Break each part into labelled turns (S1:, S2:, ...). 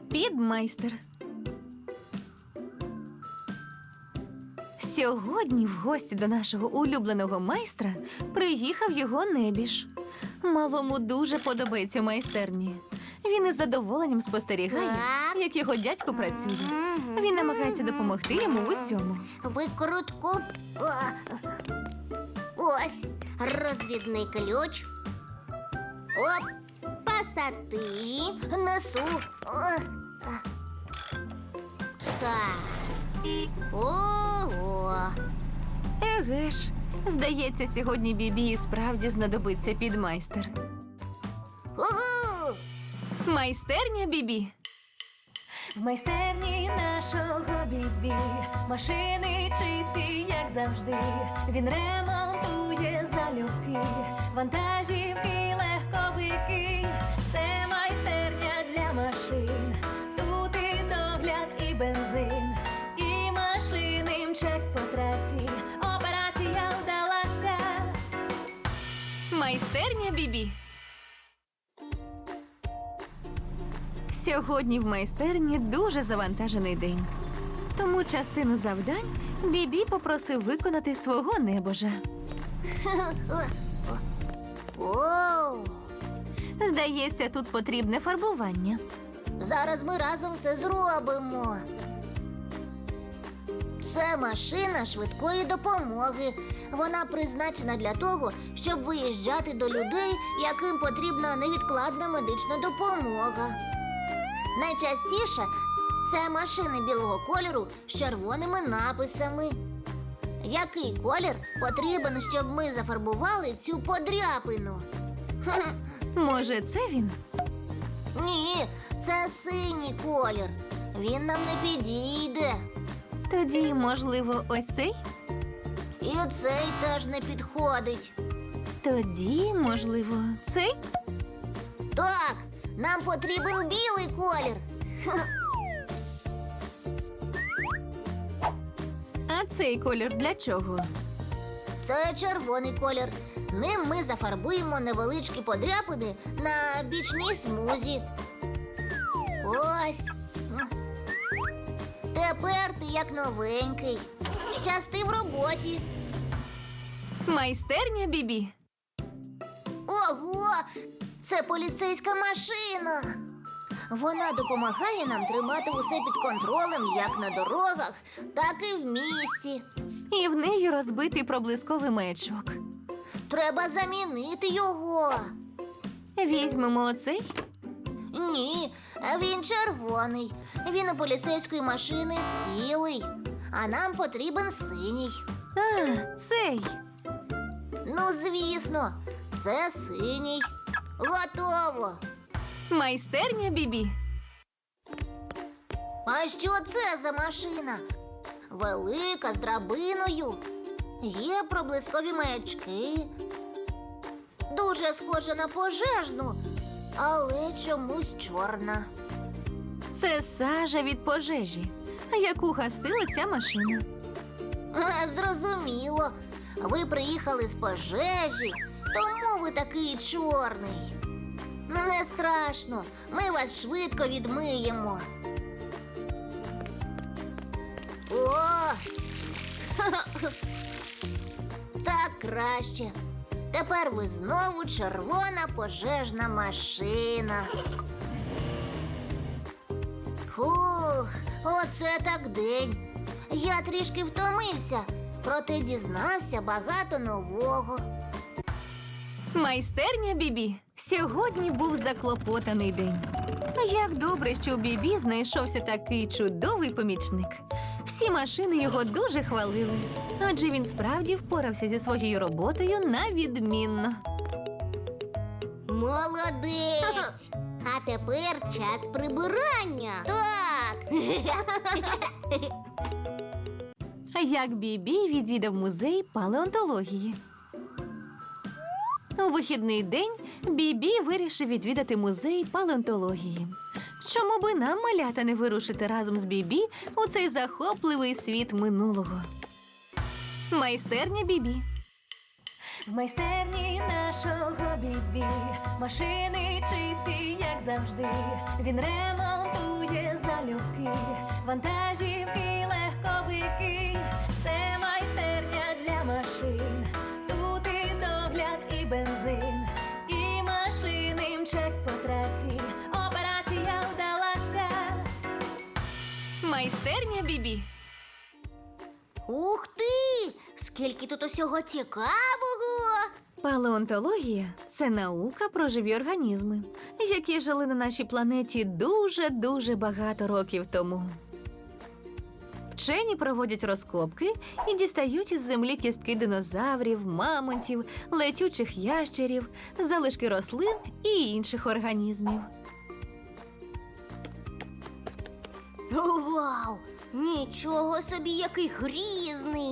S1: Підмайстер. Сьогодні в гості до нашого улюбленого майстра приїхав його небіж. Малому дуже подобається в майстерні. Він із задоволенням спостерігає, як його дядько працює. Він намагається допомогти йому в усьому.
S2: Викрутку. Ось розвідний ключ. Оп, пасати. Несу. Так. Ого.
S1: Еге ж, здається, сьогодні Бібі і справді знадобиться підмайстер.
S2: Ого.
S1: Майстерня Бібі.
S3: В майстерні нашого Бібі машини чисті, як завжди. Він ремонтує залюбки, вантажівки, легковики. Це майстерня для машин. Тут і догляд, і бензин, і машини мчать по трасі. Операція вдалася.
S1: Майстерня Бібі. Сьогодні в майстерні дуже завантажений день. Тому частину завдань Бібі попросив виконати свого небожа.
S2: Оу.
S1: Здається, тут потрібне фарбування.
S2: Зараз ми разом все зробимо. Це машина швидкої допомоги. Вона призначена для того, щоб виїжджати до людей, яким потрібна невідкладна медична допомога. Найчастіше це машини білого кольору з червоними написами. Який колір потрібен, щоб ми зафарбували цю подряпину?
S1: Може, це він?
S2: Ні, це синій колір. Він нам не підійде.
S1: Тоді, можливо, ось цей?
S2: І цей теж не підходить.
S1: Тоді, можливо, цей?
S2: Так, нам потрібен білий колір.
S1: А цей колір для чого?
S2: Це червоний колір. Ним ми зафарбуємо невеличкі подряпини на бічній смузі. Ось. Тепер ти як новенький. Щасти в роботі.
S1: Майстерня Бібі.
S2: Ого! Це поліцейська машина. Вона допомагає нам тримати усе під контролем як на дорогах, так і в місті.
S1: І в неї розбитий проблисковий маячок.
S2: Треба замінити його.
S1: Візьмемо оцей.
S2: Ні, він червоний. Він у поліцейської машини цілий. А нам потрібен синій.
S1: А, цей.
S2: Ну, звісно, це синій. Готово.
S1: Майстерня Бібі.
S2: А що це за машина? Велика, з драбиною. Є проблискові маячки. Дуже схожа на пожежну, але чомусь чорна.
S1: Це сажа від пожежі, яку гасила ця машина.
S2: Зрозуміло. Ви приїхали з пожежі, тому ви такий чорний. Не страшно, ми вас швидко відмиємо. О! Так краще. Тепер ви знову червона пожежна машина. Фух, оце так день. Я трішки втомився, проте дізнався багато нового.
S1: Майстерня Бібі. Сьогодні був заклопотаний день. Як добре, що у Бібі знайшовся такий чудовий помічник. Всі машини його дуже хвалили, адже він справді впорався зі своєю роботою на відмінно.
S2: Молодець! А тепер час прибирання. Так.
S1: Як Бібі відвідав музей палеонтології. У вихідний день Бібі вирішив відвідати музей палеонтології. Чому би нам, малята, не вирушити разом з Бібі у цей захопливий світ минулого? Майстерня Бібі.
S3: В майстерні нашого Бібі машини чисті, як завжди. Він ремонтує бібі, вантажівки, легковики, це майстерня для машин. Тут і догляд, і бензин, і машини мчать по трасі. Операція вдалася.
S1: Майстерня Бібі.
S2: Ух ти! Скільки тут усього цікавого!
S1: Палеонтологія – це наука про живі організми, які жили на нашій планеті дуже багато років тому. Вчені проводять розкопки і дістають із землі кістки динозаврів, мамонтів, летючих ящерів, залишки рослин і інших організмів.
S2: Вау! Нічого собі, який грізний!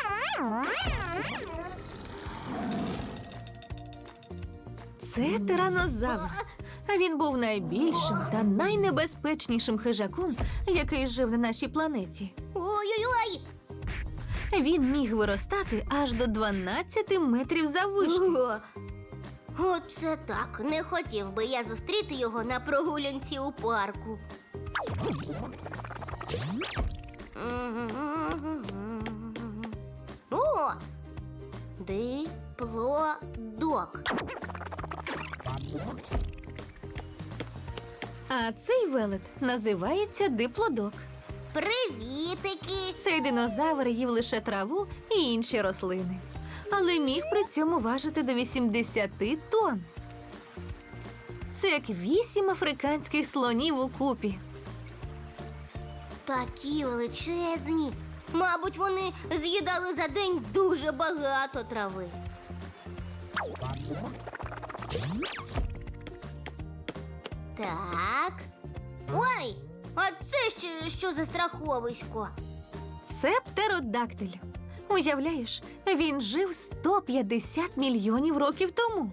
S1: Це тиранозавр. Він був найбільшим та найнебезпечнішим хижаком, який жив на нашій планеті.
S2: Ой-ой-ой!
S1: Він міг виростати аж до 12 метрів заввишки.
S2: Оце так. Не хотів би я зустріти його на прогулянці у парку. О! Диплодок.
S1: А цей велет називається диплодок.
S2: Привітики!
S1: Цей динозавр їв лише траву і інші рослини, але міг при цьому важити до 80 тонн. Це як 8 африканських слонів у купі.
S2: Такі величезні. Мабуть, вони з'їдали за день дуже багато трави. Так. Ой, а це ще що за страховисько?
S1: Це птеродактиль. Уявляєш, він жив 150 мільйонів років тому.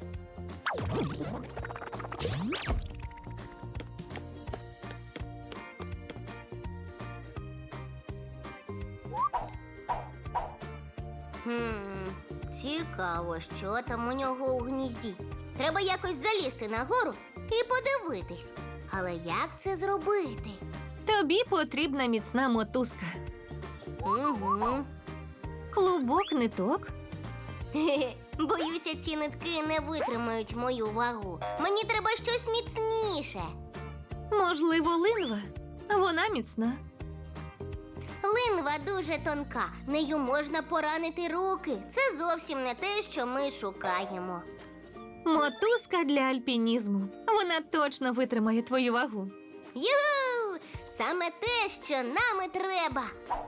S2: Цікаво, що там у нього у гнізді. Треба якось залізти нагору і подивитись. Але як це зробити?
S1: Тобі потрібна міцна мотузка.
S2: Угу.
S1: Клубок ниток.
S2: Боюся, ці нитки не витримають мою вагу. Мені треба щось міцніше.
S1: Можливо, линва. Вона міцна.
S2: Линва дуже тонка, нею можна поранити руки. Це зовсім не те, що ми шукаємо.
S1: Мотузка для альпінізму. Вона точно витримає твою вагу.
S2: Юху! Саме те, що нам і треба.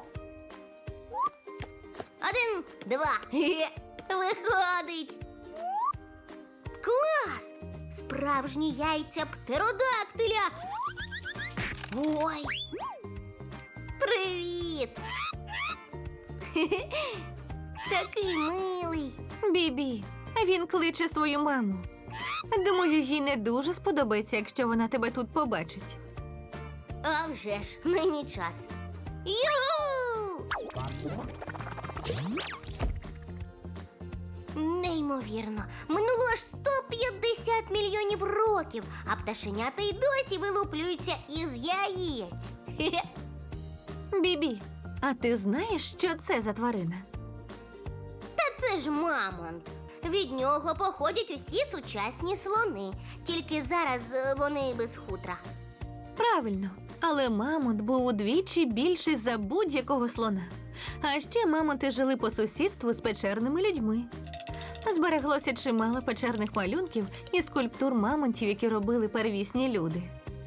S2: 1, 2. Хе-хе. Виходить. Клас! Справжні яйця птеродактиля. Ой. Привіт. Хе-хе. Такий милий.
S1: Бібі, він кличе свою маму. Думаю, їй не дуже сподобається, якщо вона тебе тут побачить.
S2: А вже ж, мені час. Ю! Неймовірно, минуло аж 150 мільйонів років, а пташенята й досі вилуплюються із яєць. Хе-хе.
S1: Бібі, а ти знаєш, що це за тварина?
S2: Та це ж мамонт. Від нього походять усі сучасні слони, тільки зараз вони без хутра.
S1: Правильно, але мамонт був удвічі більший за будь-якого слона. А ще мамонти жили по сусідству з печерними людьми. Збереглося чимало печерних малюнків і скульптур мамонтів, які робили первісні люди.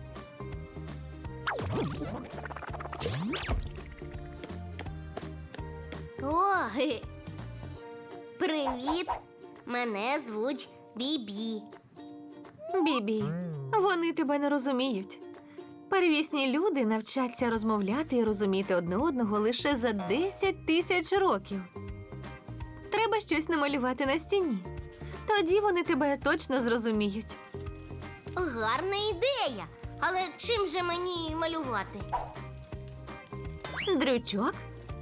S2: О, ге. Привіт! Мене звуть Бібі.
S1: Бібі, вони тебе не розуміють. Первісні люди навчаться розмовляти і розуміти одне одного лише за 10 тисяч років. Треба щось намалювати на стіні. Тоді вони тебе точно зрозуміють.
S2: Гарна ідея. Але чим же мені малювати?
S1: Дрючок?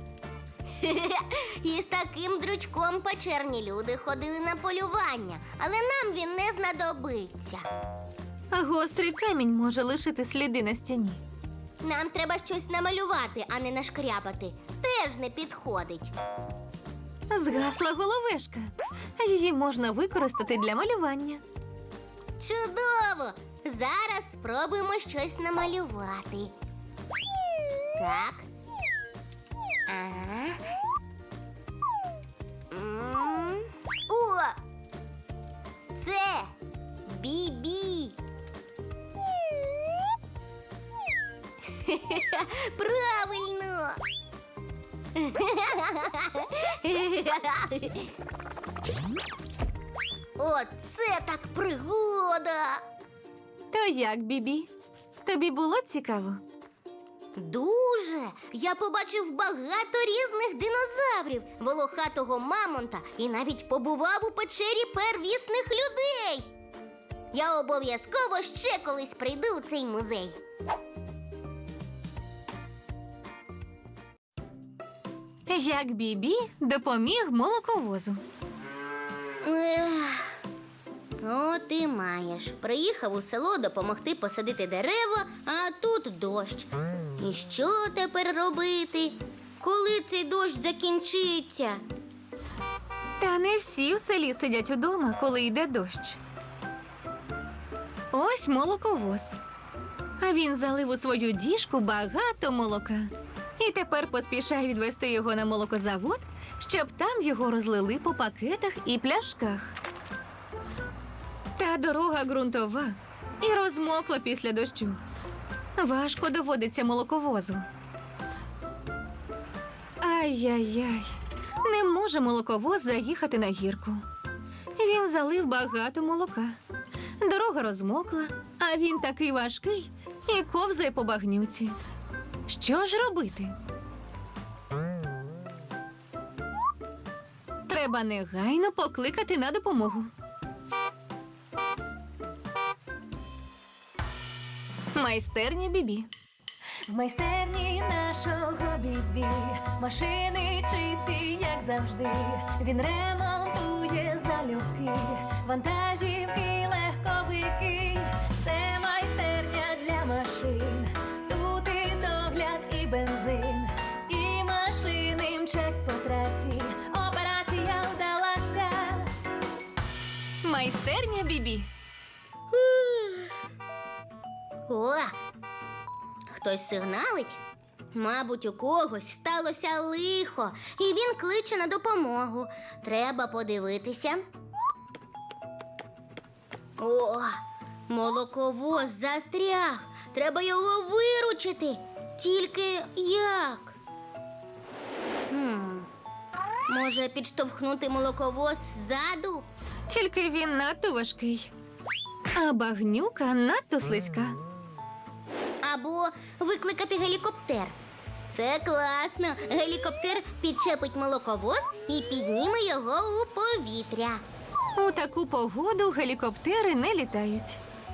S2: І з таким дрючком печерні люди ходили на полювання, але нам він не знадобиться.
S1: А гострий камінь може лишити сліди на стіні.
S2: Нам треба щось намалювати, а не нашкрябати. Теж не підходить.
S1: Згасла головешка. Її можна використати для малювання.
S2: Чудово! Зараз спробуємо щось намалювати. Так. Ага. О! Це Бібі. Правильно. Оце так пригода.
S1: То як, Бібі? Тобі було цікаво?
S2: Дуже. Я побачив багато різних динозаврів, волохатого мамонта і навіть побував у печері первісних людей. Я обов'язково ще колись прийду у цей музей.
S1: Як Бібі допоміг молоковозу.
S2: Ех, От і маєш. Приїхав у село допомогти посадити дерева, а тут дощ. І що тепер робити? Коли цей дощ закінчиться?
S1: Та не всі в селі сидять удома, коли йде дощ. Ось молоковоз. А він залив у свою діжку багато молока. І тепер поспішає відвести його на молокозавод, щоб там його розлили по пакетах і пляшках. Та дорога ґрунтова і розмокла після дощу. Важко доводиться молоковозу. Ай-яй-яй, не може молоковоз заїхати на гірку. Він залив багато молока. Дорога розмокла, а він такий важкий і ковзає по багнюці. Що ж робити? Треба негайно покликати на допомогу. Майстерня Бібі.
S3: В майстерні нашого Бібі машини чисті, як завжди. Він ремонтує залюбки, вантажівки, легковики. Це майстерня для машин. Тут і догляд, і бензин, і машини мчать по трасі. Операція вдалася.
S1: Майстерня Бібі.
S2: О! Хтось сигналить? Мабуть, у когось сталося лихо, і він кличе на допомогу. Треба подивитися. О, молоковоз застряг. Треба його виручити. Тільки як? Може, підштовхнути молоковоз ззаду?
S1: Тільки він надто важкий, а багнюка надто слизька.
S2: Або викликати гелікоптер. Це класно. Гелікоптер підчепить молоковоз і підніме його у повітря.
S1: У таку погоду гелікоптери не літають.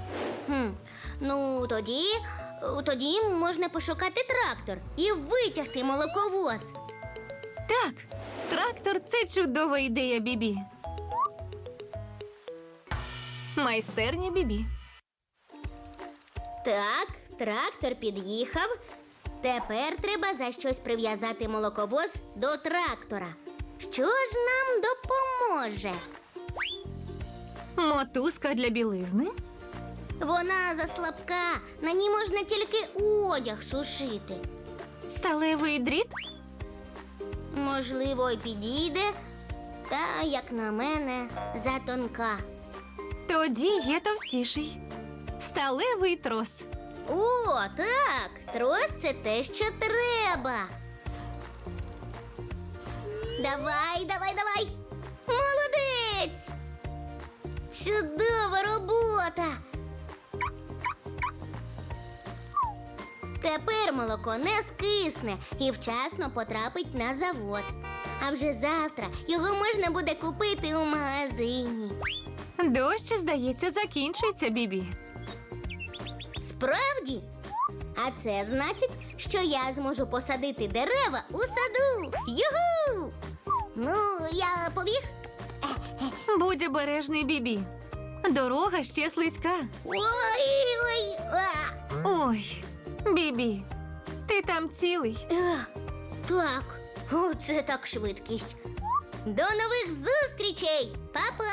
S2: Ну, тоді можна пошукати трактор і витягти молоковоз.
S1: Так, трактор – це чудова ідея Бібі. Майстерня Бібі.
S2: Так, трактор під'їхав. Тепер треба за щось прив'язати молоковоз до трактора. Що ж нам допоможе?
S1: Мотузка для білизни.
S2: Вона заслабка, на ній можна тільки одяг сушити.
S1: Сталевий дріт.
S2: Можливо, й підійде, та, як на мене, затонка.
S1: Тоді є товстіший. Сталевий трос.
S2: О, так, трос – це те, що треба. Давай. Молодець! Чудова робота! Тепер молоко не скисне і вчасно потрапить на завод. А вже завтра його можна буде купити у магазині.
S1: Дощ, здається, закінчується, Бібі.
S2: Справді? А це значить, що я зможу посадити дерева у саду. Югу! Ну, я побіг?
S1: Будь обережний, Бібі. Дорога ще слизька.
S2: Ой!
S1: Ой, Бібі, Ти там цілий?
S2: Так, оце так швидкість. До нових зустрічей, папа!